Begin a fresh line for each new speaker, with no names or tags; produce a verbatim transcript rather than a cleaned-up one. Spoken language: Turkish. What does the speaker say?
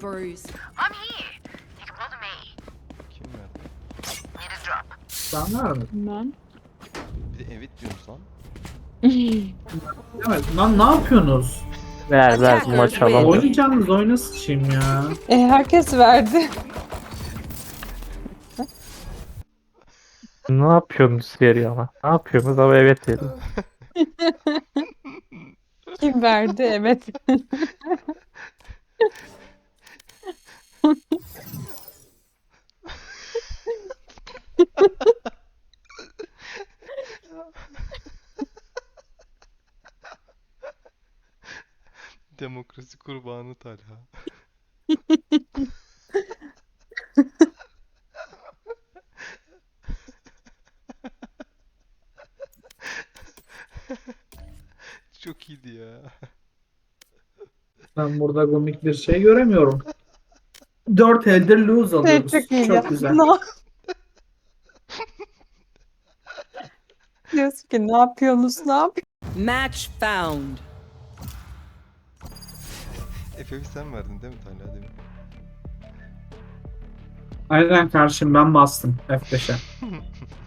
bruise.
I'm here. You can bother me.
Kim verdi?
Need a drop.
Sen var mı?
Ben.
Bir de evet diyoruz lan.
Evet. Lan ne yapıyorsunuz?
Ver ver bu maç alamıyor.
Oynayacağınız oyuna sıçayım ya.
E, herkes verdi.
Ne yapıyorsunuz veriyor ama? Ne yapıyorsunuz ama evet veriyor.
Kim verdi? Evet.
Demokrasi kurbanı Talha. Çok iyiydi ya.
Ben burada komik bir şey göremiyorum. Dört elde lose alıyoruz.
Çok iyi
Çok
ya.
güzel.
Ne- Diyorsun ki ne yapıyorsunuz? Ne yapıyorsunuz?
Match found.
F F'i sen verdin değil mi Talha demin?
Aynen karşım ben bastım F beşe.